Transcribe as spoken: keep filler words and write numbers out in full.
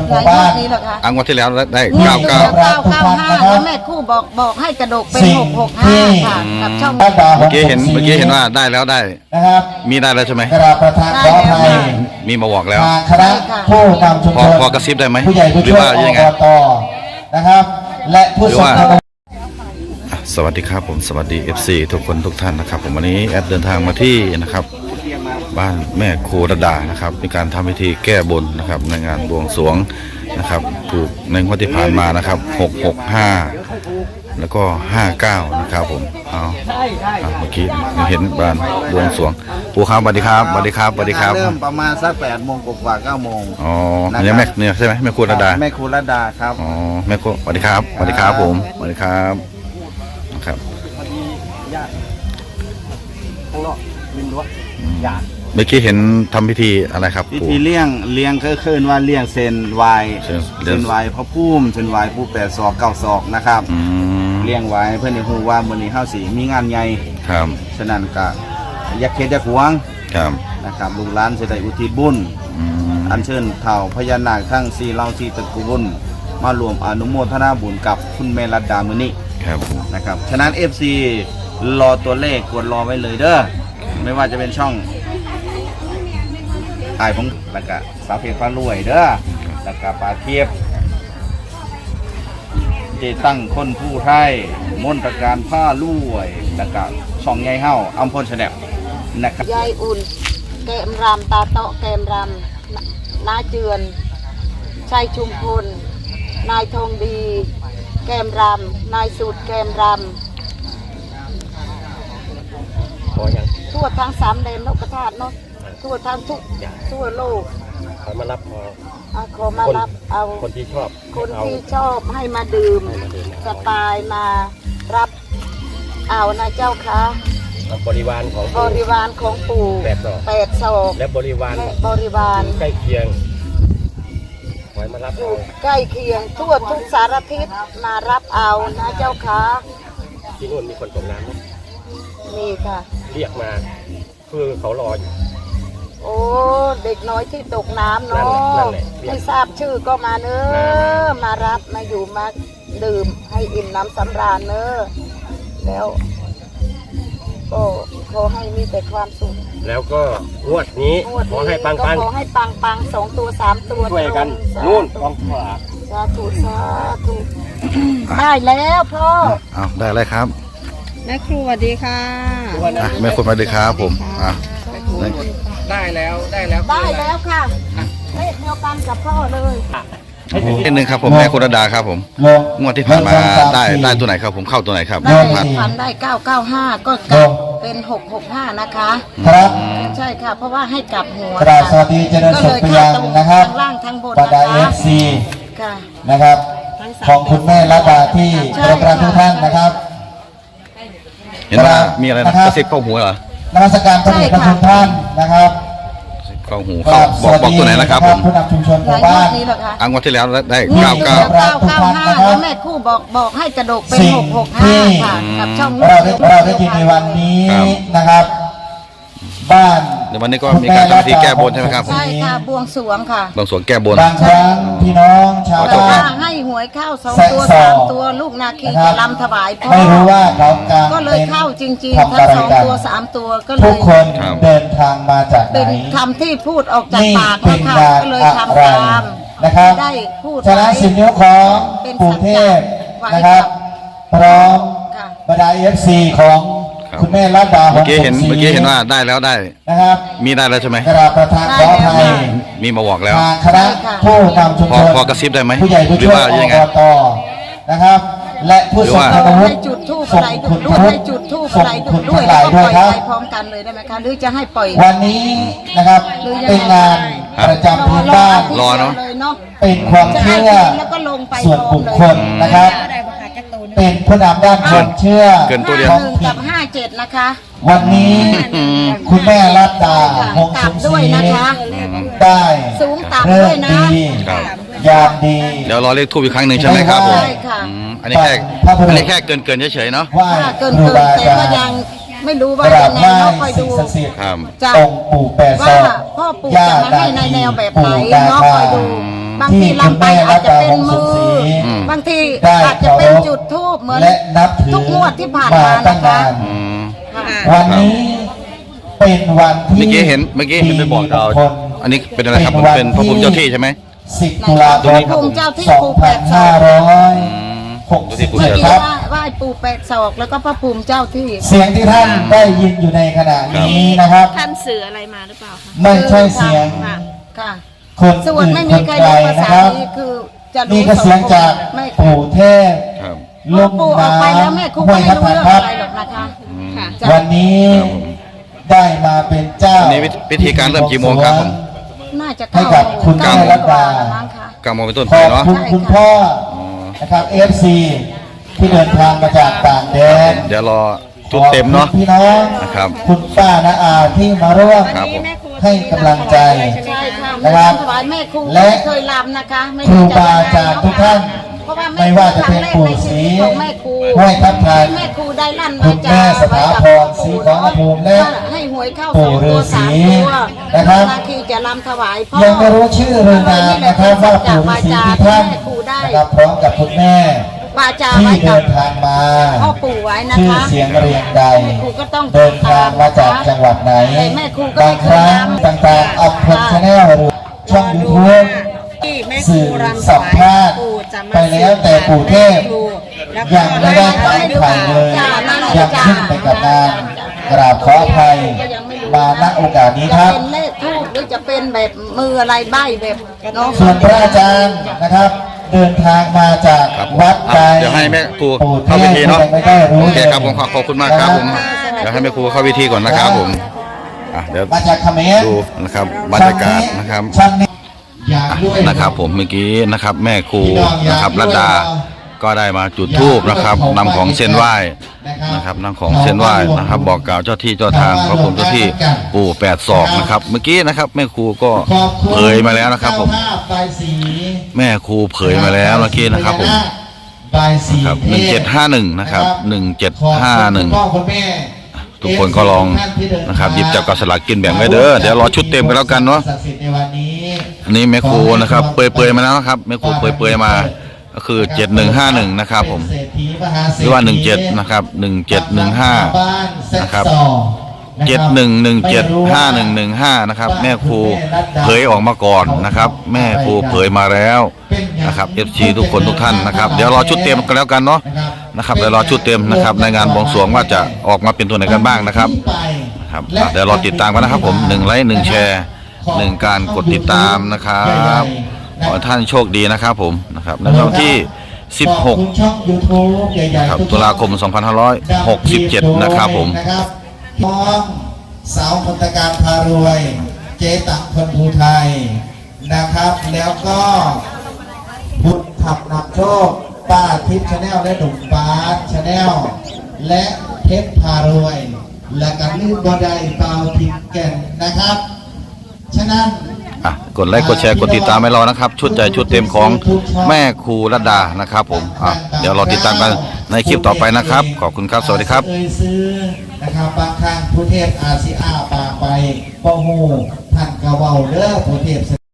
หมู่บ้านนี้เหรอคะอังวันที่แล้วได้เก้าเก้าเก้าเก้าเก้าห้าแล้วแม่คู่บอกบอกให้กระดกเป็นหกหกห้าค่ะกับช่องเมื่อกี้เห็นเมื่อกี้เห็นว่าได้แล้วได้นะครับมีได้แล้วใช่ไหมกระประธานขออภัยมีมาบอกแล้วคณะผู้นำชุมชนพอกระซิบได้ไหมผู้ใหญ่ผู้ช่วยอบตนะครับและผู้สนับสนุนสวัสดีครับผมสวัสดี เอฟ ซี ทุกคนทุกท่านนะครับผมวันนี้แอดเดินทางมาที่นะครับบ้านแม่ครูระดานะครับมีการทำพิธีแก้บนนะครับในงานบวงสรวงนะครับถูกในงวดที่ผ่านมานะครับหกหกห้าแล้วก็ห้าเก้านะครับผมเอาเมื่อกี้เห็นบ้านบวงสรวงปู่ครับสวัสดีครับสวัสดีครับสวัสดีครับเริ่มประมาณสักแปดโมงกว่าเก้าโมงอ๋อเนี่ยแม่เนี่ยใช่ไหมแม่ครูระดาแม่ครูระดาครับอ๋อแม่ครูสวัสดีครับสวัสดีครับผมสวัสดีครับครับข้างนอกริมรั้วญาติเมื่อกี้เห็นทำพิธีอะไรครับพิธีเลี้ยงเลี้ยงก็คือว่าเลี้ยงเซนวายเซนวายพระพุ่มเซนวายผู้แปดศอกเก้าศอกนะครับเลี้ยงไว้เพื่อนในหูว่ามือนี้ข้าวสีมีงานใหญ่ครับฉะนั้นก็ยักเขตยักหวงครับนะครับลูกหลานจะได้อุทิศบุญอัญเชิญเถ่าพญานาคทั้งสี่เหล่าสี่ตระกูลมารวมอนุโมทนาบุญกับคุณแม่รัตดามือนี้นะครับฉะนั้น เอฟ ซี รอตัวเลขกดรอไว้เลยเด้อไม่ว่าจะเป็นช่องไอ้ผมแล้วก็สาวเพชรฟ้ารวยเด้อแล้วก็ปลาเทียบเจตั้งคนผู้ไทยมนตการผ้ารวยแล้วก็ช่องใหญ่เฮาอัมพลชาแนลนะครับยายอุ่นแกมรำตาโตแกมรำนาเจือนชัยชุมพลนายทองดีแกมรำนายสุดแกมรำทั่วทั้งสามแดนโลกธาตุเนาะทั่วทั้งทุกทั่วโลกขอมารับพอขอมารับเอาคนที่ชอบคนที่ชอบให้มาดื่มสไตล์มารับเอานะเจ้าค่ะบริวารของบริวารของปู่แปดศอกแปดศอกและบริวารบริวารใกล้เคียงขอมารับเอาใกล้เคียงทั่วทุกสารทิศมารับเอานะเจ้าค่ะที่นู่นมีคนตกน้ำไหมมีค่ะเรียกมาคือเขารออยู่โอ้เด็กน้อยที่ตกน้ำเนาะไม่ทราบชื่อก็มาเนอะมารับมาอยู่มาดื่มให้อิ่มน้ำสำราญเนอะแล้วก็ขอให้มีแต่ความสุขแล้วก็งวดนี้ขอให้ปังปังขอให้ปังปังสองตัวสามตัวช่วยกันนู่นกองขวาสาธุสาธุได้แล้วพ่อเอาได้เลยครับแม่ครูสวัสดีค่ะแม่ครูสวัสดีครับผมอ่ะได้แล้วได้แล้วได้แล้วค่ะเลขเดียวกันกับพ่อเลยนิดนึงครับผมแม่ครูระดาครับผมงวดที่ผ่านมาได้ได้ตัวไหนครับผมเข้าตัวไหนครับได้ผ่านได้เก้าเก้าห้าก็กลับเป็นหกหกห้านะคะครับใช่ค่ะเพราะว่าให้กลับหัวกราบสวัสดีเจริญสุขไปยังนะครับทั้งล่างทั้งบนบรรดาเอฟซีนะครับของคุณแม่รัตดาที่กราบทุกท่านนะครับเห็นว่ามีอะไรนะกระซิบเข้าหูเหรอนมัสการพระเดชพระคุณท่านนะครับเข้าหูเข้าบอกบอกตัวไหนนะครับผมผู้นำชุมชนหมู่บ้านอังวันที่แล้วได้เก้าเก้าเก้าเก้าห้าแล้วแม่คู่บอกบอกให้กระดกเป็นหกหกห้าค่ะกับช่องเราได้เราได้ยินในวันนี้นะครับบ้านในวันนี้ก็มีการทำพิธีแก้บนใช่ไหมครับใช่ค่ะบวงสรวงค่ะบวงสรวงแก้บนบางครั้งพี่น้องชาวบ้านให้หวยเข้าสองตัวสามตัวลูกนาคีจะรำถวายพ่อไม่รู้ว่าเขาการก็เลยเข้าจริงๆทั้งสองตัวสามตัวก็เลยทุกคนเดินทางมาจากไหนเป็นคำที่พูดออกจากปากนะคะก็เลยทำตามนะครับได้พูดฉะนั้นสิบนิ้วของปู่เทพนะครับพร้อมบรรดาเอฟซีของคุณแม่รัตดาเมื่อกี้เห็นเมื่อกี้เห็นว่าได้แล้วได้นะครับมีได้แล้วใช่ไหมกราบประธานขออภัยมีมาบอกแล้วคณะผู้นำชุมชนพอกระซิบได้ไหมผู้ใหญ่ผู้ช่วยอบตนะครับและผู้สนับสนุนให้จุดทูบอะไรด้วยให้จุดทูบอะไรด้วยแล้วก็ปล่อยไปพร้อมกันเลยได้ไหมคะหรือจะให้ปล่อยวันนี้นะครับเป็นงานประจำพื้นบ้านรอเนาะเป็นความเชื่อส่วนบุคคลนะครับเป็นผู้นำด้านความเชื่อเกินตัวเดียวหนึ่งกับห้าเจ็ดนะคะวันนี้คุณแม่รัตดาหงสุด้วยนะคะได้สูงต่ำด้วยนะยามดีเดี๋ยวรอเลขทูบอีกครั้งหนึ่งใช่ไหมครับผมอันนี้แค่อันนี้แค่เกินเกินเฉยๆเนาะเกินเกินแต่ก็ยังไม่รู้ว่าจะแนวคอยดูจะองค์ปู่แปดศอกว่าพ่อปู่จะมาให้ในแนวแบบไหนเนาะคอยดูบางทีลำไปอาจจะเป็นมืออืมบางทีได้อาจจะเป็นจุดทูบเหมือนและนับถือทุกงวดที่ผ่านมาตั้งนะคะนานอืมค่ะวันนี้เป็นวันที่เมื่อกี้เห็นเมื่อกี้เห็นไปบอกเราคนอันนี้เป็นอะไรครับมันเป็นพระภูมิเจ้าที่ใช่ไหมสิบตุลาคมพระภูมิเจ้าที่สองภูแปพันดศอห้าก ร้อยอืมหกสิบเจ้าที่ภูเมื่อแปดกี้ศอกว่าไหว้ปู่แปดศอกแล้วก็พระภูมิเจ้าที่เสียงที่ท่านได้ยินอยู่ในขณะนี้นะครับท่านสื่ออะไรมาหรือเปล่าคะไม่ใช่เสียงค่ะค่ะคนส่วอื่นนไม่คมีนใครไกลรู้ภานะษาครับนี้คือจะรู้นี่ก็เสียงจากไม่ปู่เทพครับลพ่อง ปู่ออกไปแล้วแม่ครูห้ก็วยไม่ทับรู้ทันเรื่องครับอะไรหรอกนะคะค่ะจ้ะวันนี้ครับผมได้มาเป็นเจ้าวันนี้พิธีการเริ่มกี่โมงครับผมน่าจะให้กับคุณเก้าแม่โมรังตกว่าดาแล้วมั้งค่ะเก้าโมงเป็นต้นขไปอบเนาะคุณคุณพ่ออ๋อนะครับ เอฟ ซี ที่เดินทางมาจากต่างแดนเดี๋ยวรอจุดเต็มเนาะขอบคุณพี่น้องนะครับคุณป้านาอาที่มาร่วมครับผมให้กำลังใจใช่ค่ะนะครับถวายแม่ครูและไม่เคยลำนะคะไม่ครูรู้จะบาอาจารย์ทุกท่านเพราะว่าไม่ว่าจะเป็นปู่ศรีของแม่ครูห้วยทับทันแม่ครูได้ลั่นคุวาณจาแม่สถาพรไว้กับศรีขอรภูมิและให้หวยเข้าปู่สองตัวฤาษีสามตัวนะครับนาคีจะลำถวายพ่อยังไม่รู้ชื่อเรือนนามนะครับว่าปู่ฤาษีที่ท่านแม่ครูได้นะครับพร้อมกับคุณแม่วาจาที่ไว้กัเดิบนทางมาพ่อปู่ไว้นะชื่อคะเสียงเรียงใดแม่ครูก็ต้องเดินทางมาจากจังหวัดไหนแต่แม่ครูก็บาไม่งเคคยรั้งลำต่างๆอัพพลชาแนลหรือช่องยูทูบที่แม่ครูสื่อรำถสัมวายภาษณ์ปู่จะมาไปแล้วแต่ปู่เทพครูแล้วก็ยังไม่ได้ถามใครเลยยังขึ้นไปกับงานกราบขออภัยมาณโอกาสนี้จะครับเป็นเลขทูบหรือจะเป็นแบบมืออะไรใบแบบเนาะส่วนพระอาจารย์นะครับ เดินทางมาจากครับวัดไกลเดี๋ยวให้แม่ครูปู่เทเข้าพพิธีเนาะยังไม่ได้รู้โอเคเลยครับผมขอขอบคุณมากครับผม เดี๋ยวให้แม่ครูเข้าพิธีก่อนนะครับผมอ่ะเดี๋ยวมาจากเขมรดูนะครับบรรยากาศนะครับชั้นนี้อยากด้วยนะครับผมเมื่อกี้นะครับแม่ครูนะครับรัตดาก็ได้มาจุดธูปนะครับนำของเส้นไหว้นะครับนำของเส้นไหว้นะครับบอกกล่าวเจ้าที่เจ้าทางพระภูมิเจ้าที่ปู่แปดศอกนะครับเมื่อกี้นะครับแม่ครูก็ขอบคุณเผยมาแล้วนะครับผมเจ้าภาพใบายสีแม่ครูเผยมาแล้วเมื่อกี้นะครับผมใบายสีครับหนึ่งเจ็ดห้าหนึ่งนะครับหนึ่งเจ็ดห้าหนึ่งขอบคุณคุณพ่อคุณแม่ทุกคนก็ลองนะครับหยิบจับกับสลากกินแบ่งไว้เด้อเดี๋ยวรอชุดเต็มกันแล้วกันเนาะศักดิ์สิทธิ์ในวันนี้อันนี้แม่ครูนะครับเปรยๆมาแล้วนะครับแม่ครูเปรยๆมาก็คือเจ็ดหนึ่งห้าหนึ่งนะครับผมเป็นเศรษฐีมหาเศรษฐีหรือว่าหนึ่งเจ็ดนะครับหนึ่งเจ็ดหนึ่งห้าบ้านเซ็ตนะครับสองะเจ็ดครับหนึ่งหนึ่งเจ็ดห้าหนึ่งหนึ่งห้านะครับแม่ครูเผยออกมาก่อนนะครับแม่ครูเผยมาแล้วนะครับเอฟซีทุกคนทุกท่านนะครับเดี๋ยวรอชุดเต็มกันแล้วกันเนาะนะครับเดี๋ยวรอชุดเต็มนะครับในงานบวงสรวงว่าจะออกมาเป็นตัวไหนกันบ้างนะครับครับอ่ะเดี๋ยวรอติดตามกันนะครับผมหนึ่งไลค์หนึ่งแชร์หนึ่งการกดติดตามนะครับขอให้ท่านโชคดีนะครับผมนะครับในวันที่สิบหกขอบคุณช่อง YouTube ใหญ่ๆครับทุกๆตุลาคมสองพันห้าร้อยหกสิบเจ็ดนะครับผมนะครับน้องสาวคนตะการพารวย เจตักคนภูไทยนะครับ แล้วก็พุทธขับนำโชคป้าทิพย์ชาแนลและหนุ่มบาสชาแนลและเพชรพารวย และกันลืมบอดายเปาทิพย์แก่นนะครับ ฉะนั้นอ่ะกดไลค์กดแชร์กดติดตามให้เรานะครับ ชุดใหญ่ชุดเต็มของแม่ครูรัตดานะครับผมอ่ะเดี๋ยวรอติดตามกันในคลิปต่อไปนะครับ ขอบคุณครับสวัสดีครับเอ่ยซื้อนะครับบางครั้งผู้เทพอาซีอาปากไปป้อหูท่านกระเว้าเด้อผู้เทพ